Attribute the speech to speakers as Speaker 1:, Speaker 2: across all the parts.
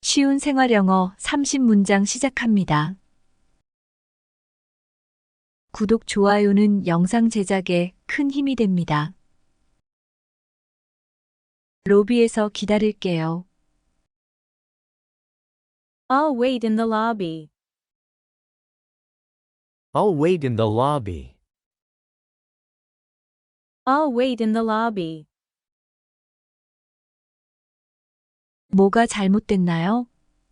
Speaker 1: 쉬운 생활영어 30문장 시작합니다. 구독, 좋아요는 영상 제작에 큰 힘이 됩니다. 로비에서 기다릴게요.
Speaker 2: I'll wait in the lobby.
Speaker 3: I'll wait in the lobby.
Speaker 2: I'll wait in the lobby.
Speaker 1: 뭐가 잘못됐나요?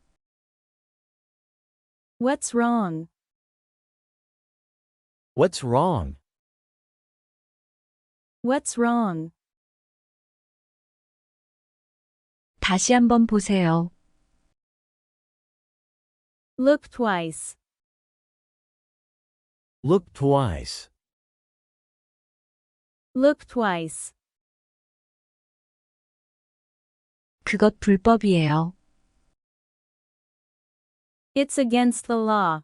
Speaker 2: What's wrong?
Speaker 3: What's wrong?
Speaker 2: What's wrong?
Speaker 1: 다시 한번 보세요.
Speaker 2: Look twice.
Speaker 3: Look twice.
Speaker 2: Look twice.
Speaker 1: 그것 불법이에요.
Speaker 2: It's against the law.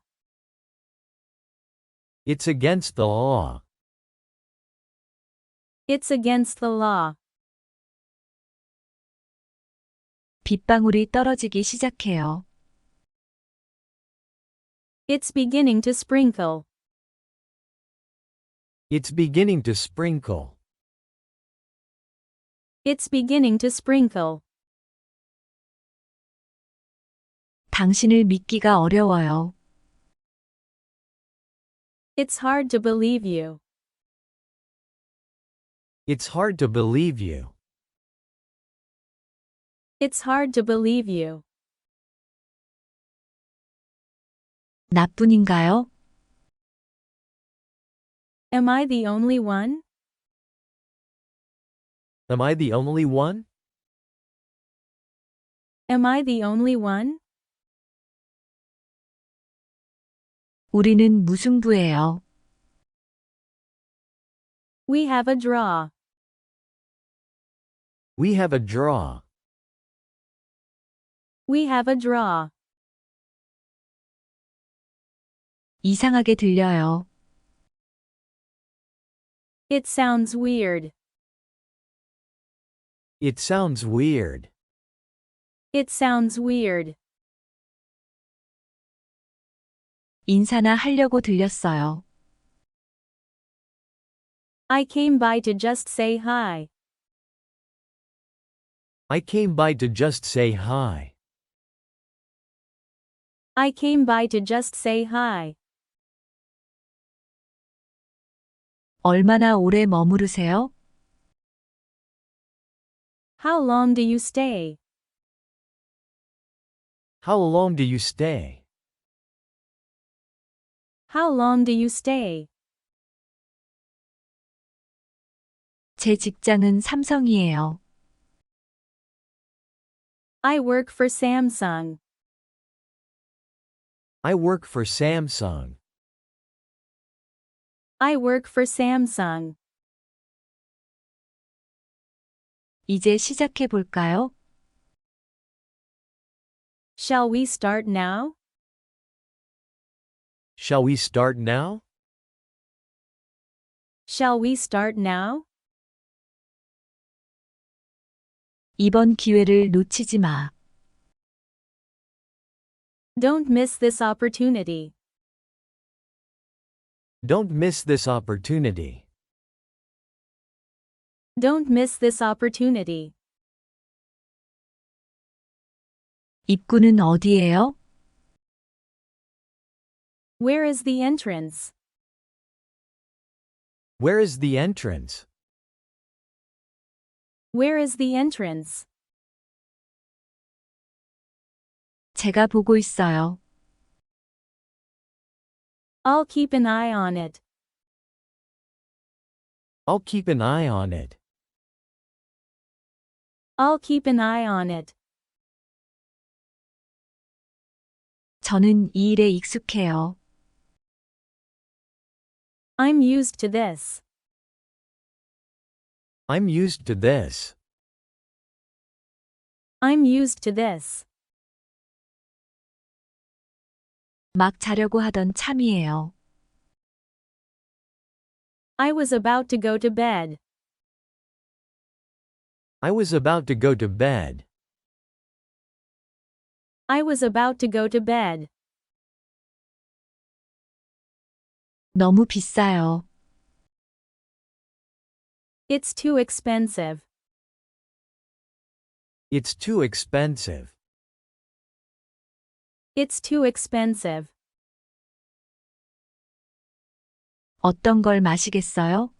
Speaker 3: It's against the law.
Speaker 2: It's against the law.
Speaker 1: 빗방울이 떨어지기 시작해요.
Speaker 2: It's beginning to sprinkle.
Speaker 3: It's beginning to sprinkle.
Speaker 2: It's beginning to sprinkle.
Speaker 1: 당신을 믿기가 어려워요.
Speaker 2: It's hard to believe you.
Speaker 3: It's hard to believe you.
Speaker 2: It's hard to believe you.
Speaker 1: 나뿐인가요?
Speaker 2: Am I the only one?
Speaker 3: Am I the only one?
Speaker 2: Am I the only one?
Speaker 1: 우리는 무승부예요.
Speaker 2: We have a draw.
Speaker 3: We have a draw.
Speaker 2: We have a draw.
Speaker 1: 이상하게 들려요.
Speaker 2: It sounds weird.
Speaker 3: It sounds weird.
Speaker 2: It sounds weird.
Speaker 1: 인사나 하려고 들렸어요.
Speaker 2: I came by to just say hi.
Speaker 3: I came by to just say hi.
Speaker 2: I came by to just say hi.
Speaker 1: 얼마나 오래 머무르세요?
Speaker 2: How long do you stay?
Speaker 3: How long do you stay?
Speaker 2: How long do you stay?
Speaker 1: 제 직장은 삼성이에요.
Speaker 2: I work for Samsung.
Speaker 3: I work for Samsung.
Speaker 2: I work for Samsung.
Speaker 1: 이제 시작해 볼까요?
Speaker 2: Shall we start now?
Speaker 3: Shall we start now?
Speaker 2: Shall we start now?
Speaker 1: 이번 기회를 놓치지 마.
Speaker 2: Don't miss this opportunity.
Speaker 3: Don't miss this opportunity.
Speaker 2: Don't miss this opportunity.
Speaker 1: 입구는 어디예요?
Speaker 2: Where is the entrance?
Speaker 3: Where is the entrance?
Speaker 2: Where is the entrance?
Speaker 1: 제가 보고 있어요.
Speaker 2: I'll keep an eye on it.
Speaker 3: I'll keep an eye on it.
Speaker 2: I'll keep an eye on it.
Speaker 1: 저는 이 일에 익숙해요.
Speaker 2: I'm used to this.
Speaker 3: I'm used to this.
Speaker 2: I'm used to this.
Speaker 1: 막 자려고 하던 참이에요.
Speaker 2: I was about to go to bed.
Speaker 3: I was about to go to bed.
Speaker 2: I was about to go to bed.
Speaker 1: 너무 비싸요.
Speaker 2: It's too expensive.
Speaker 3: It's too expensive.
Speaker 2: It's too expensive.
Speaker 1: 어떤 걸 마시겠어요?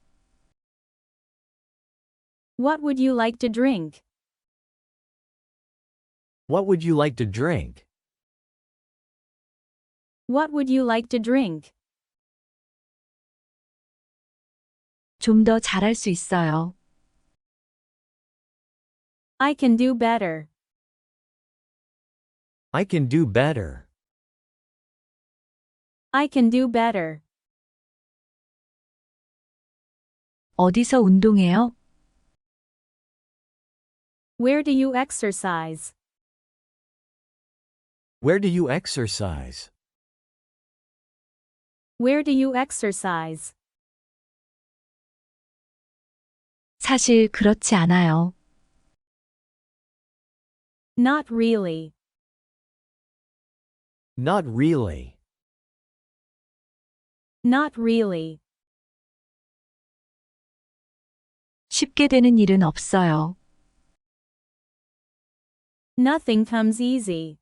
Speaker 2: What would you like to drink?
Speaker 3: What would you like to drink?
Speaker 2: What would you like to drink?
Speaker 1: 좀 더 잘할 수 있어요.
Speaker 2: I can do better.
Speaker 3: I can do better.
Speaker 2: I can do better.
Speaker 1: 어디서 운동해요?
Speaker 2: Where do you exercise?
Speaker 3: Where do you exercise?
Speaker 2: Where do you exercise?
Speaker 1: 사실 그렇지 않아요.
Speaker 2: Not really.
Speaker 3: Not really.
Speaker 2: Not really.
Speaker 1: 쉽게 되는 일은 없어요.
Speaker 2: Nothing comes easy.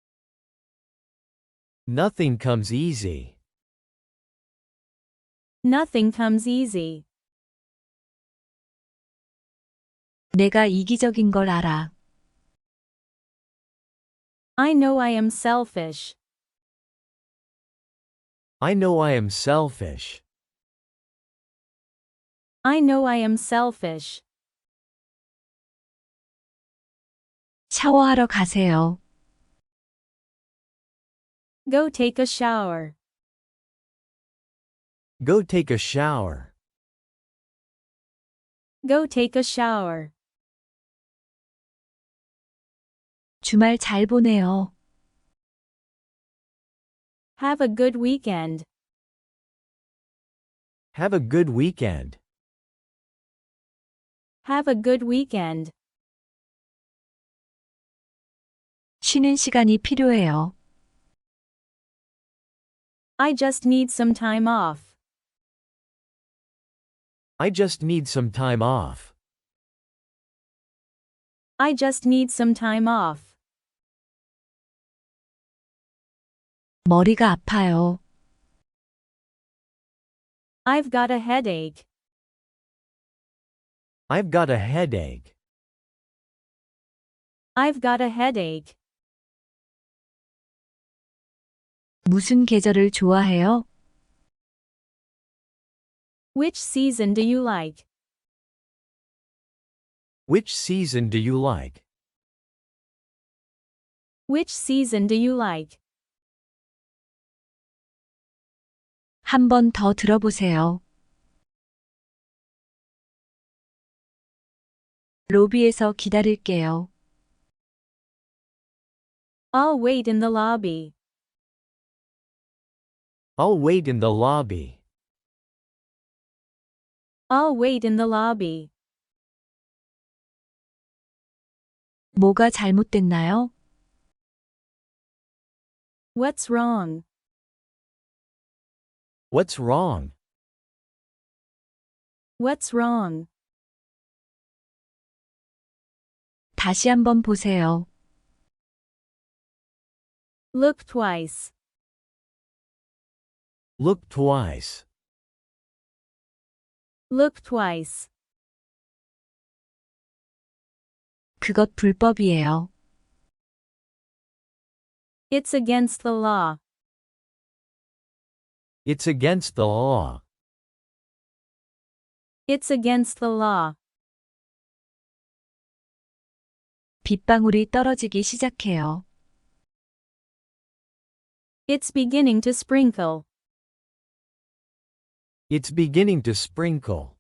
Speaker 3: Nothing comes easy.
Speaker 2: Nothing comes easy.
Speaker 1: 내가 이기적인 걸 알아.
Speaker 2: I know I am selfish.
Speaker 3: I know I am selfish.
Speaker 2: I know I am selfish.
Speaker 1: 샤워하러 가세요.
Speaker 2: Go take a shower.
Speaker 3: Go take a shower.
Speaker 2: Go take a shower.
Speaker 1: 주말 잘 보내요.
Speaker 2: Have a good weekend.
Speaker 3: Have a good weekend.
Speaker 2: Have a good weekend.
Speaker 1: 쉬는 시간이 필요해요.
Speaker 2: I just need some time off.
Speaker 3: I just need some time off.
Speaker 2: I just need some time off.
Speaker 1: 머리가 아파요.
Speaker 2: I've got a headache.
Speaker 3: I've got a headache.
Speaker 2: I've got a headache.
Speaker 1: 무슨 계절을 좋아해요?
Speaker 2: Which season do you like?
Speaker 3: Which season do you like?
Speaker 2: Which season do you like?
Speaker 1: 한 번 더 들어보세요. 로비에서 기다릴게요.
Speaker 2: I'll wait in the lobby.
Speaker 3: I'll wait in the lobby.
Speaker 2: I'll wait in the lobby.
Speaker 1: 뭐가 잘못됐나요?
Speaker 2: What's wrong?
Speaker 3: What's wrong?
Speaker 2: What's wrong?
Speaker 1: 다시 한번 보세요.
Speaker 2: Look twice.
Speaker 3: Look twice.
Speaker 2: Look twice.
Speaker 1: 그것 불법이에요.
Speaker 2: It's against the law.
Speaker 3: It's against the law.
Speaker 2: It's against the law.
Speaker 1: 빗방울이 떨어지기 시작해요.
Speaker 2: It's beginning to sprinkle.
Speaker 3: It's beginning to sprinkle.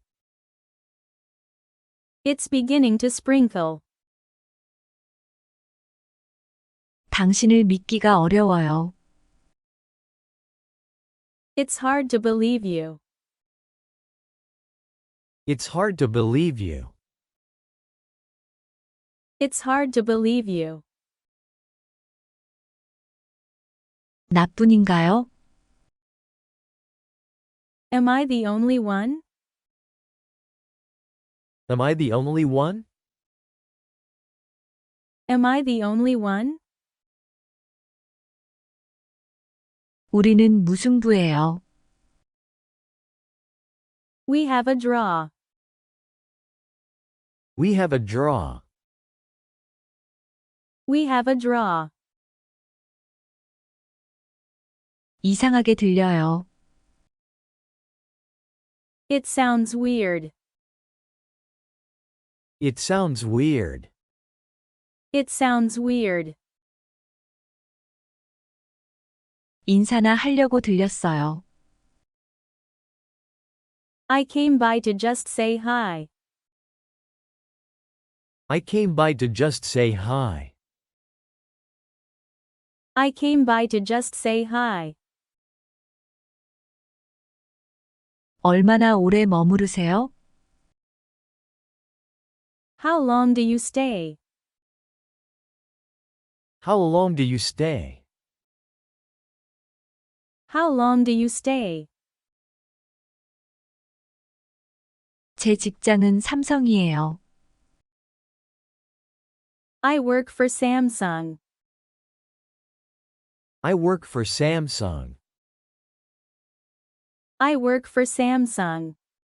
Speaker 2: It's beginning to sprinkle.
Speaker 1: 당신을 믿기가 어려워요.
Speaker 2: It's hard to believe you.
Speaker 3: It's hard to believe you.
Speaker 2: It's hard to believe you.
Speaker 1: 나뿐인가요?
Speaker 2: Am I the only one?
Speaker 3: Am I the only one?
Speaker 2: Am I the only one?
Speaker 1: 우리는 무승부예요.
Speaker 2: We have a draw.
Speaker 3: We have a draw.
Speaker 2: We have a draw.
Speaker 1: 이상하게 들려요.
Speaker 2: It sounds weird.
Speaker 3: It sounds weird.
Speaker 2: It sounds weird.
Speaker 1: 인사나 하려고 들렸어요.
Speaker 2: I came by to just say hi.
Speaker 3: I came by to just say hi.
Speaker 2: I came by to just say hi.
Speaker 1: 얼마나 오래 머무르세요?
Speaker 2: How long do you stay?
Speaker 3: How long do you stay?
Speaker 2: How long do you stay?
Speaker 1: 제 직장은 삼성이에요.
Speaker 2: I work for Samsung.
Speaker 3: I work for Samsung.
Speaker 2: I work for Samsung.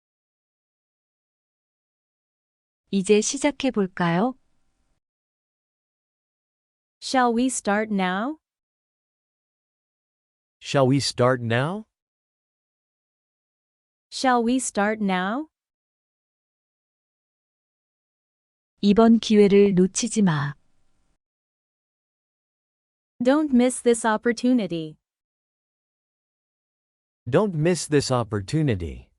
Speaker 1: 이제 시작해 볼까요?
Speaker 2: Shall we start now?
Speaker 3: Shall we start now?
Speaker 2: Shall we start now?
Speaker 1: 이번 기회를 놓치지 마.
Speaker 2: Don't miss this opportunity.
Speaker 3: Don't miss this opportunity.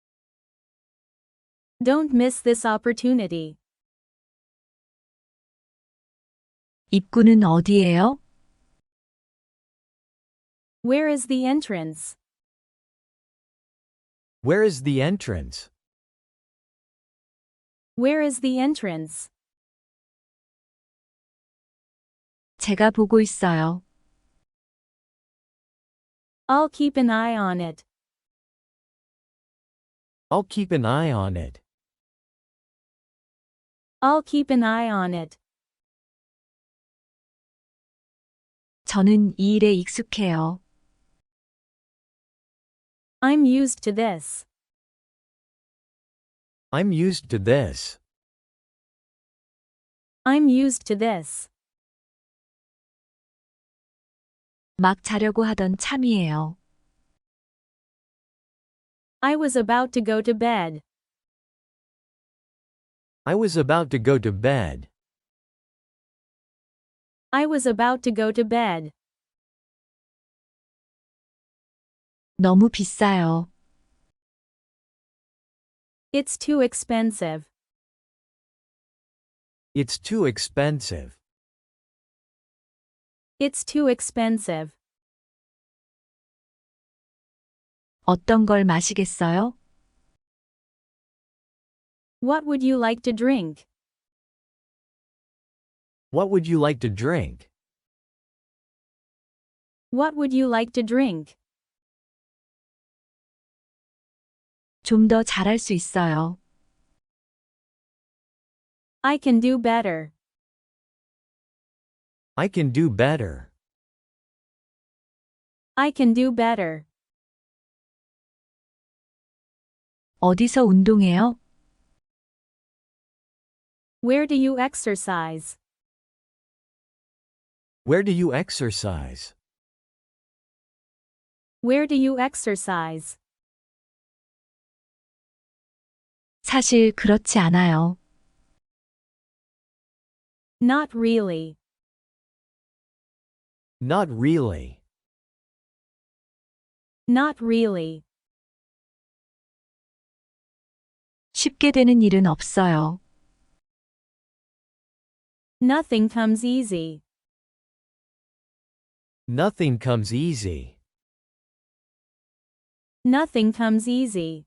Speaker 2: Don't miss this opportunity.
Speaker 1: 입구는 어디예요?
Speaker 2: Where is the entrance?
Speaker 3: Where is the entrance?
Speaker 2: Where is the entrance?
Speaker 1: 제가 보고 있어요.
Speaker 2: I'll keep an eye on it.
Speaker 3: I'll keep an eye on it.
Speaker 2: I'll keep an eye on it.
Speaker 1: 저는 이 일에 익숙해요.
Speaker 2: I'm used to this.
Speaker 3: I'm used to this.
Speaker 2: I'm used to this.
Speaker 1: 막 자려고 하던 참이에요.
Speaker 2: I was about to go to bed.
Speaker 3: I was about to go to bed.
Speaker 2: I was about to go to bed.
Speaker 1: 너무 비싸요.
Speaker 2: It's too expensive.
Speaker 3: It's too expensive.
Speaker 2: It's too expensive.
Speaker 1: 어떤 걸 마시겠어요?
Speaker 2: What would you like to drink?
Speaker 3: What would you like to drink?
Speaker 2: What would you like to drink?
Speaker 1: 좀 더 잘할 수 있어요.
Speaker 2: I can do better.
Speaker 3: I can do better.
Speaker 2: I can do better.
Speaker 1: 어디서 운동해요?
Speaker 2: Where do you exercise?
Speaker 3: Where do you exercise?
Speaker 2: Where do you exercise?
Speaker 1: 사실 그렇지 않아요.
Speaker 2: Not really.
Speaker 3: Not really.
Speaker 2: Not really.
Speaker 1: 쉽게 되는 일은 없어요.
Speaker 2: Nothing comes easy.
Speaker 3: Nothing comes easy.
Speaker 2: Nothing comes easy.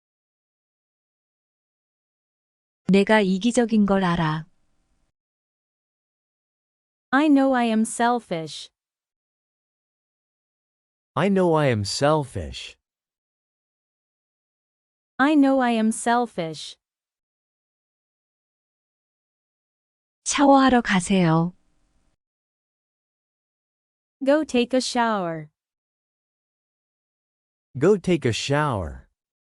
Speaker 1: 내가 이기적인 걸 알아.
Speaker 2: I know I am selfish.
Speaker 3: I know I am selfish.
Speaker 2: I know I am selfish.
Speaker 1: 샤워하러 가세요.
Speaker 2: Go take a shower.
Speaker 3: Go take a shower.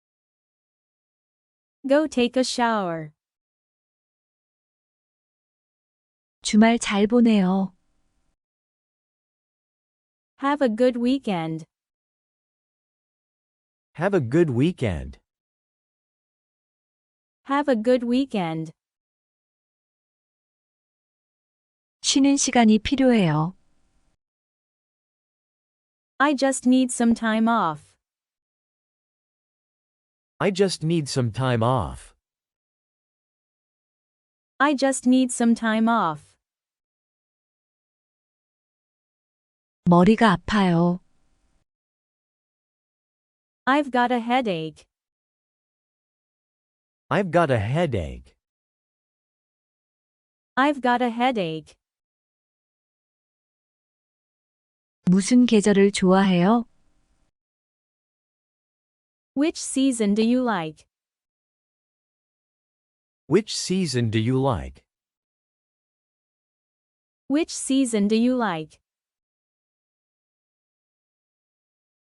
Speaker 2: Go take a shower.
Speaker 1: 주말 잘 보내요.
Speaker 2: Have a good weekend.
Speaker 3: Have a good weekend.
Speaker 2: Have a good weekend.
Speaker 1: 쉬는 시간이 필요해요.
Speaker 2: I just need some time off.
Speaker 3: I just need some time off.
Speaker 2: I just need some time off.
Speaker 1: 머리가 아파요.
Speaker 2: I've got a headache.
Speaker 3: I've got a headache.
Speaker 2: I've got a headache.
Speaker 1: 무슨 계절을 좋아해요?
Speaker 2: Which season do you like?
Speaker 3: Which season do you like?
Speaker 2: Which season do you like?